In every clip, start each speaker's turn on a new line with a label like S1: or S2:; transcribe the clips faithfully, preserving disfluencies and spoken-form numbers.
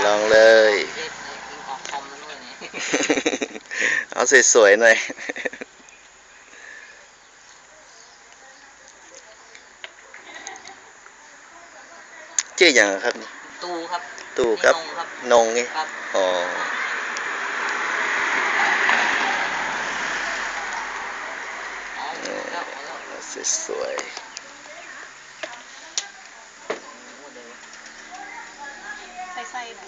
S1: ลองเลย
S2: เอ็ดเลยยิงออกคอมแล้วด้วยเนี่ย
S1: เอาสวยๆหน่อยชื่ออย่างครับนี่
S2: ตูครับ
S1: ตู่ครับ
S2: นี่นงครับ
S1: นงไง
S2: ครับ
S1: อ๋อ
S2: อ๋อหมดแล้วหมดแล้ว
S1: สวย
S2: หมดเลยวะ
S3: ใส่ๆหน่อย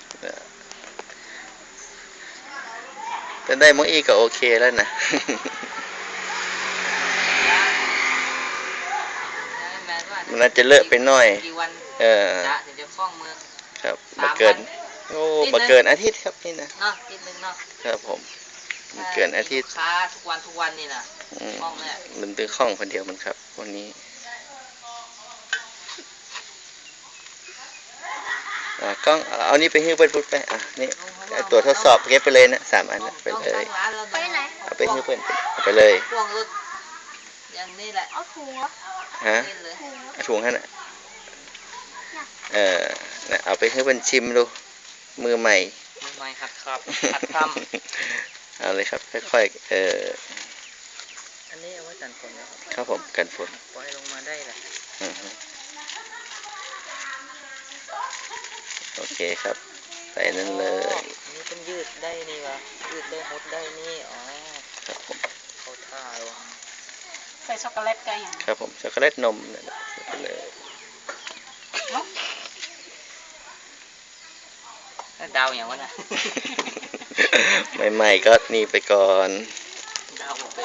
S1: ๆถ้าได้มองอีก็โอเคแล้วนะ
S2: แมนว่า
S1: มันน่าจะเลอะไปหน่อย
S2: กี่วัน
S1: เออ
S2: จะถึงจะคล่องมือ
S1: ครับ
S2: สาม
S1: มาเกิน
S2: วัน
S1: โอ้
S2: นิดนึง
S1: มาเกินอาทิตย์ครับนี่นะ
S2: เนาะนิดนึงเนาะ
S1: ครับผมมาเกินอาทิตย์
S2: ถ้มีลูกค้าทุกวันทุกวันนี่นะ
S1: อืม
S2: คล่องแน่
S1: มันเป็นข้องคนเดียวมันครับวันนี้อ่ากล้องเอานี่ไปหิ้วเปิ้ลพุทธไปอ่ะนี่ไอ้ตัวทดสอบเก็บไปเลยนะสามอันนะไป
S2: ต้อง
S1: เล
S2: ตั้
S1: ย
S2: งร้านแล้ว
S3: ไปไหน
S1: เอาไปหิ้วเปิ้ลเอาไปเลย
S2: พ่วงรถอย่างนี้แหละ
S3: เอาถุงเหรอ
S1: ฮะ
S2: เล่นเลย
S3: ถุงเหรอ
S1: เอาถุงให้น่ะเออน่ะเอาไปให้เปิ้ลชิมดูมือใหม่
S2: มือใหม่หัดครับหัดท
S1: เอาเลยครับค่อยๆเออ
S2: ำอันนี้เอาไว้กันฝนนะครับ
S1: ครับผมกันฝน
S2: ปล่อยลงมาได้แหละ
S1: อือฮึโอเคครับใส่นั่นเลย
S2: อ๋ออันนี้เป็นยืดได้นี่วะยืดได้หดได้นี่อ๋อ
S1: ครับผม
S2: เขาท่าวะ
S3: ใส่ช็อกโกแลตกันอย่าง
S1: ครับผมช็อกโกแลตนมนั่นแหละใส่ไปเลย
S2: แล้วดาวอย่างวะนะ
S1: ใหม่ๆก็นี่ไปก่อน
S2: ดาวเป็น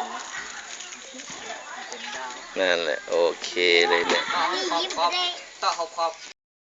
S2: เป็นดาว
S1: นั่นแหละโอเคเลยเนี่ย
S2: ต่อขอบขอบต่อขอบขอบ